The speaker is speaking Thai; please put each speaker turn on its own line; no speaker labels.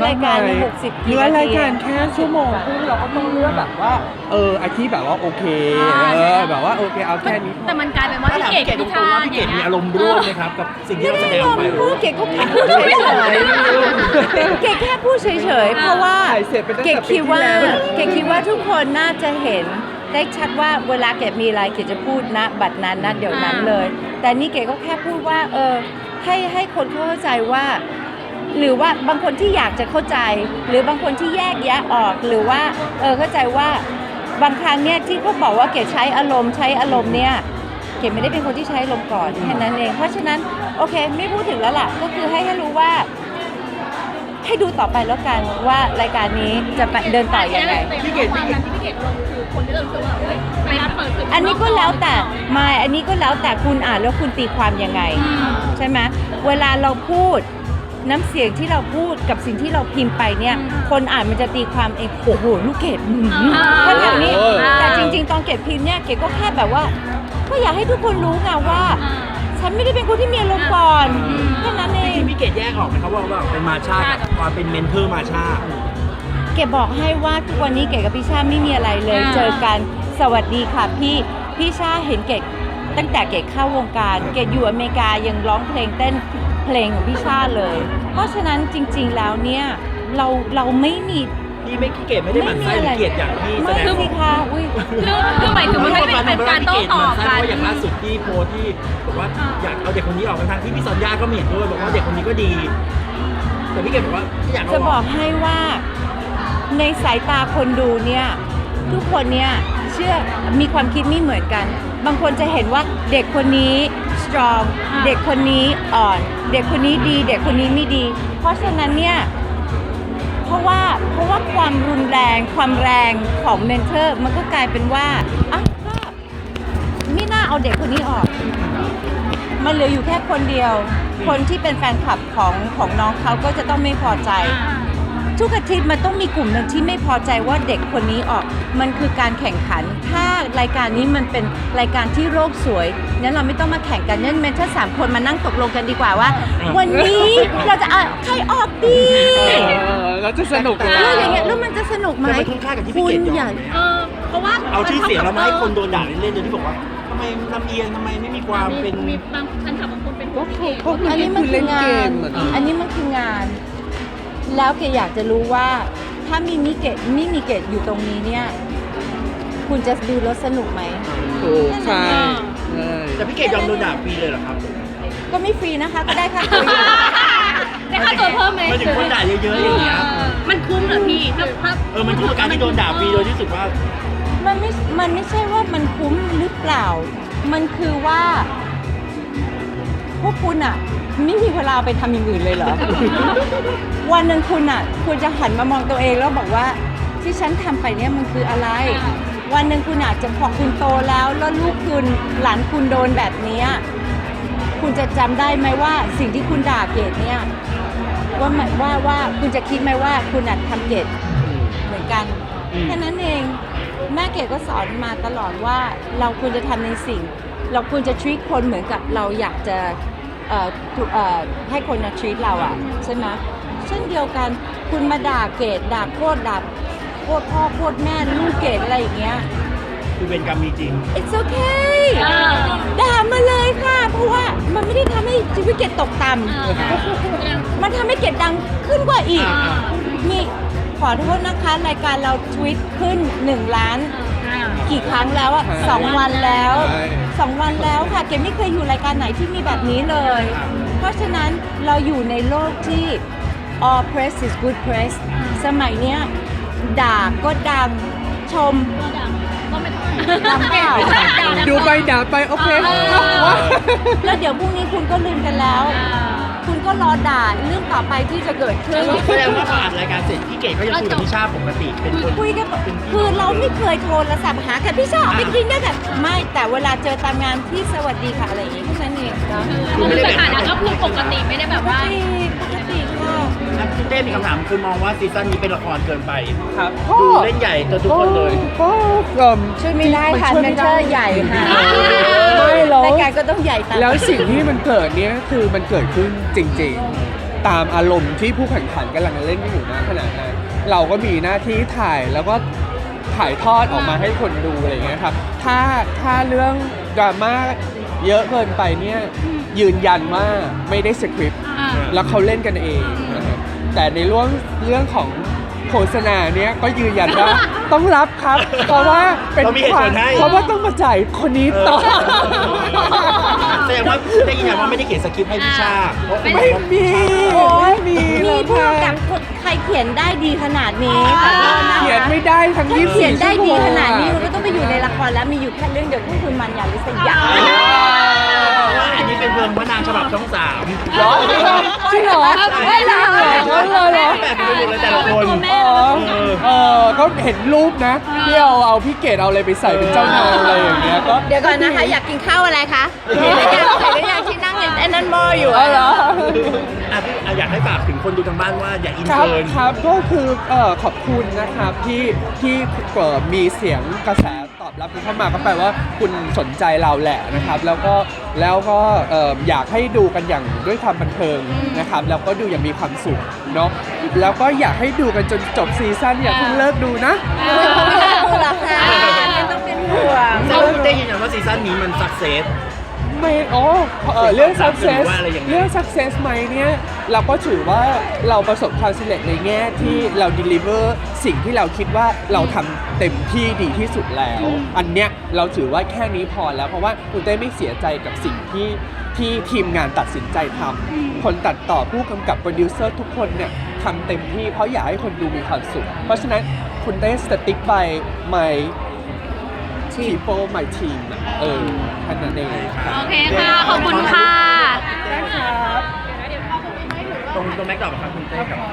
รายการ60กี่
เนื้อ
นาที
รายการแค่ชั่วโมงครึ่งเราก็ต้องเลือกแบบว่าไอที่แบบว่าโอเคแบบว่าโอเคเอาแค่นี้
แต่มันกลายเป็นว่าพี่เกด
ตรงๆว่าพี่เกดมีอารมณ์ร่วมไหมครับกับสิ่งที่เราแสดงออกไป
พูดเกดก็แค่พูดเฉยๆเกดแค่พูดเฉยๆเพราะว่า
ถ่ายเสร็จไปตั้งแต่
เกดคิดว่า
ปีที่แล้ว
เกดคิดว่าทุกคนน่าจะเห็นได้ชัดว่าเวลาเกดมีอะไรเกดจะพูดนะบัดนั้นนะเดี๋ยวนั้นเลย แต่นี่เกดก็แค่พูดว่าให้คนเข้าใจว่า หรือว่าบางคนที่อยากจะเข้าใจ หรือบางคนที่แยกแยะออกหรือว่าเข้าใจว่าบางครั้งเนี่ยที่เขาบอกว่าเกดใช้อารมณ์เนี่ยเกดไม่ได้เป็นคนที่ใช้อารมณ์ก่อนแค่นั้นเองเพราะฉะนั้นโอเคไม่พูดถึงแล้วล่ะก็คือให้รู้ว่า ให้ดูต่อไปแล้วกันว่ารายการนี้จะไปเดินต่อยังไง
พี่เกดความนั้นที่พี่เกดลงคือคนที่เรารู้สึกว่าเฮ้ยไปรับเปิดศึก
อันนี้ก็แล้วแต่ไม่อันนี้ก็แล้วแต่คุณอ่านแล้วคุณตีความยังไง ใช่ไหมเวลาเราพูดน้ำเสียงที่เราพูดกับสิ่งที่เราพิมพ์ไปเนี่ย คนอ่านมันจะตีความเองโอ้โหลูกเกดก็แบบนี้แต่จริงๆตอนเกดพิมพ์เนี่ยเกดก็แค่แบบว่าก็อยากให้ทุกคนรู้ไงว่า ฉันไม่ได้เป็นคนที่มีอารมณ์ก่อนแค่นั้นเอง
พี่เกดแยกออกไหมครับว่าเป็นมาชากับความเป็นเมนเทอร์มาชา
เกดบอกให้ว่าทุกวันนี้เกดกับพี่ชาไม่มีอะไรเลยเจอกันสวัสดีค่ะพี่ชาเห็นเกดตั้งแต่เกดเข้าวงการเกดอยู่อเมริกายังร้องเพลงเต้นเพลงของพี่ชาเลย เพราะฉะนั้นจริงๆแล้วเนี่ยเราไม่มี
พี่ไม่ขี้เกดไม่ได้หมั่นไส้หรือเกลียดอย่างที่แส
ไม่
ดง
สิคะอุ้ย
คือหมายถึงมันไม่ได้เป็นการโต้ตอบ
เพ
กัน
ราะอย่างล่าสุดที่โพสต์ที่บอกว่าอยากเอาเด็กคนนี้ออกทั้งที่พี่ซอนย่าก็ไม่เห็นด้วยบอกว่าเด็กคนนี้ก็ดี แต่พี่เกดบอกว่าที่อยาก
จะบอกให้ว่าในสายตาคนดูเนี่ยทุกคนเนี่ยเชื่อมีความคิดไม่เหมือนกัน บางคนจะเห็นว่าเด็กคนนี้ strong เด็กคนนี้อ่อน เด็กคนนี้ดี เด็กคนนี้ไม่ดี เพราะฉะนั้นเนี่ยเพราะว่าความรุนแรงความแรงของเมนเทอร์มันก็กลายเป็นว่าอ่ะก็ไม่น่าเอาเด็กคนนี้ออก มันเหลืออยู่แค่คนเดียว คนที่เป็นแฟนคลับของน้องเขาก็จะต้องไม่พอใจ ทุกอาทิตย์มันต้องมีกลุ่มหนึ่งที่ไม่พอใจว่าเด็กคนนี้ออก มันคือการแข่งขัน ถ้ารายการนี้มันเป็นรายการที่โลกสวยงั้นเราไม่ต้องมาแข่งกันงั้นเมนเทอร์3 คนมานั่งตกลงกันดีกว่าว่า วันนี้เราจะเอาใครออกดี
เราจะสนุกเลย
แล้วอย่างเงี้ยแล้วมันจะสนุกไหม
แต่มันคุ้มค่ากับที่พี่
คุ
เก
ณ
ดย
อย่า
อม
เพราะว่า
เอาชื่อเสียงเรามาให้คนโดนด่าเล่นๆโดยที่บอกว่าทำไมลำเอียงทำไมไม่มีความเป็น
มีบางท่านขับบางคนเป็น
ก็คือ
อันนี้มันคืองาน
อะ
อันนี้มันคืองาน แล้วเกดอยากจะรู้ว่าถ้ามีเกดอยู่ตรงนี้เนี่ย คุณจะดูแล้วสนุกไหม
ถูกใช่ใช่
แต่พี่เกดยอมโดนด่าฟรีเลยเหรอครับ
ก็ไม่ฟรีนะคะ ก็ได้ค่าตัวอยู่
ได้ค่าตัวเพิ่มไหม
มาถึงคนด่าเยอะๆอย่างเงี้ย
มันคุ้มเหรอพี่ถ้า
มันคือการที่โดนด่าฟรีโดยที่รู้สึกว่า
มันไม่ใช่ว่ามันคุ้มหรือเปล่า มันคือว่า พวกคุณอะไม่มีเวลาไปทำอย่างอื่นเลยเหรอ วันหนึ่งคุณอะควรจะหันมามองตัวเองแล้วบอกว่าที่ฉันทำไปเนี่ยมันคืออะไร วันหนึ่งคุณอาจจะพอคุณโตแล้วลูกคุณหลานคุณโดนแบบเนี้ยคุณจะจำได้ไหมว่าสิ่งที่คุณด่าเกดเนี่ยว่าคุณจะคิดไหมว่าคุณอาจทำเกดเหมือนกันแค่นั้นเองแม่เกดก็สอนมาตลอดว่าเราควรจะทำในสิ่ง เราควรจะ treat คนเหมือนกับเราอยากจะให้คนมา treat เราอ่ะใช่ไหมเช่นเดียวกันคุณมาด่าเกดด่าโคตรด่าโคตรพ่อโคตรแม่ลูกเกดอะไรอย่างเงี้ย
คือเป็นกรรมมีจริง
it's okay ด่ามาเลยค่ะ เพราะว่ามันไม่ได้ทำให้ชีวิตเกดตกต่ำมันทำให้เกดดังขึ้นกว่าอีกมีขอโทษนะคะรายการเราทวิตขึ้น1 ล้านกี่ครั้งแล้วอะ2 วันแล้ว2 วันแล้วค่ะเกดไม่เคยอยู่รายการไหนที่มีแบบนี้เลย เพราะฉะนั้นเราอยู่ในโลกที่ all press is good press สมัยเนี้ยด่าก็ดังชม
ก็ไม่ต้อง
ดังเปล่า
ดูไปด่าไปโอเค
แล้วเดี๋ยวพรุ่งนี้คุณก็ลืมกันแล้ว คุณก็รอด่าเรื่องต่อไปที่จะเกิดขึ้น
แสดงว่าพออัดรายการเสร็จพี่เกดก็ยังคุยกับพี่ชาปกติเป็นคน
คุยกันคือเราไม่เคยโทรศัพท์หากันพี่ชอบไปกินด้วยกันไม่แต่เวลาเจอตามงานที่สวัสดีค่ะอะไรอย่างงี้แค่นั้นเองนะ
คือสถานะก็คือปกติไม่ได้แบบว่า
ปกติค่ะ
คุณเต้มีคำถามคือมองว่าซีซั่นนี้เป็นละครเกินไป
ครับ
ดูเล่นใหญ่จนทุกคนเลย
ก็
ช่วยไม่ได้ค่ะ
ช่วย
เม
ไม่
น
ได้
เทอร์ใหญ่ค่ะ
ไม่หรอก
รายการก็ต้องใหญ่ตาม
แล้วสิ่งที่มันเกิดเนี้ยคือมันเกิดขึ้นจริงตามอารมณ์ที่ผู้แข่งขันกำลังเล่นกันอยู่นะขณะนั้นเราก็มีหน้าที่ถ่ายแล้วก็ถ่ายทอดออกมาให้คนดูอะไรอย่างเงี้ยครับถ้าเรื่องดราม่าเยอะเกินไปเนี่ยยืนยันว่าไม่ได้สคริปต์แล้วเขาเล่นกันเองนะครับแต่ในเรื่องของโฆษณาเนี่ยก็ยืนยันว่า ต้องรับครับ เพราะว่าเป็น
เรามีเหตุผลให้
เพราะว่าต้องมาจ่ายคนนี้ต่อ
แสดงว่าได้ยินว่าไม่ได้เขียนสคริปต์ให้พี่ชา
ไม่มี
โอ้ย
ไม่มี
มี
แล้ว
ผู้
ค่ะ
กำกับใครเขียนได้ดีขนาดนี้ขอโทษนะคะ
เขียนไม่ได้ทั้ง
ถ้า
24
เขียนได้ดี
ชั่วโมง
ขนาดนี้มันก็ต้องไปอยู่ในละครแล้วมีอยู่แค่เรื่องเดียวคือคุณมันยาลิสยา
ว่าอันนี้เป็นเพลิงพระนางฉบับช่อง3
เหรอจริงเหรอไม่ได้เหรอเหรอ
แบบไปหมดเลยแต่ละคน
ก็เห็นรูปนะที่เอาพี่เกดเอาอะไรไปใส่เป็นเจ้านายอะไรอย่างเงี้ยก็
เดี๋ยวก่อนนะคะ อยากกินข้าวอะไรคะเห็นหรือยังที่นั่งไอ้นั่นหม้ออยู่
อ๋อเหรอ
พี่อยากให้ฝากถึงคนดูทางบ้านว่าอย่าอิน
ครับ
เกิน
ครับก็คือขอบคุณนะครับที่มีเสียงกระแสตอบรับเข้ามาก็แปลว่าคุณสนใจเราแหละนะครับแล้วก็อยากให้ดูกันอย่างด้วยความบันเทิงนะครับแล้วก็ดูอย่างมีความสุขเนาะแล้วก็อยากให้ดูกันจนจบซีซั่นอย่าเพิ่งเลิกดูนะ
ไม่ต้องเป็นห่วงค่ะไม่ต้องเป็นห่วง
แล้วพี่ได้ยินอย่างว่าซีซั่นนี้มันสักเซส
ไม่เรื่อง success
หรือว่าอะไรอย่างเงี้ย
เรื่อง success ไหมเนี่ยเราก็ถือว่าเราประสบความสำเร็จในแง่ที่เรา deliver สิ่งที่เราคิดว่าเราทำเต็มที่ดีที่สุดแล้ว อันเนี้ยเราถือว่าแค่นี้พอแล้วเพราะว่าคุณเต้ไม่เสียใจกับสิ่งที่ทีมงานตัดสินใจทำคนตัดต่อผู้กำกับโปรดิวเซอร์ทุกคนเนี่ยทำเต็มที่เพราะอยากให้คนดูมีความสุขเพราะฉะนั้นคุณเต้ stick by my people my team อะแค่นั้นเอง
โอเคค่ะ ขอบคุณค่ะ
ได้ครับ
ตรงแม็กดอกครับคุณเต้กับ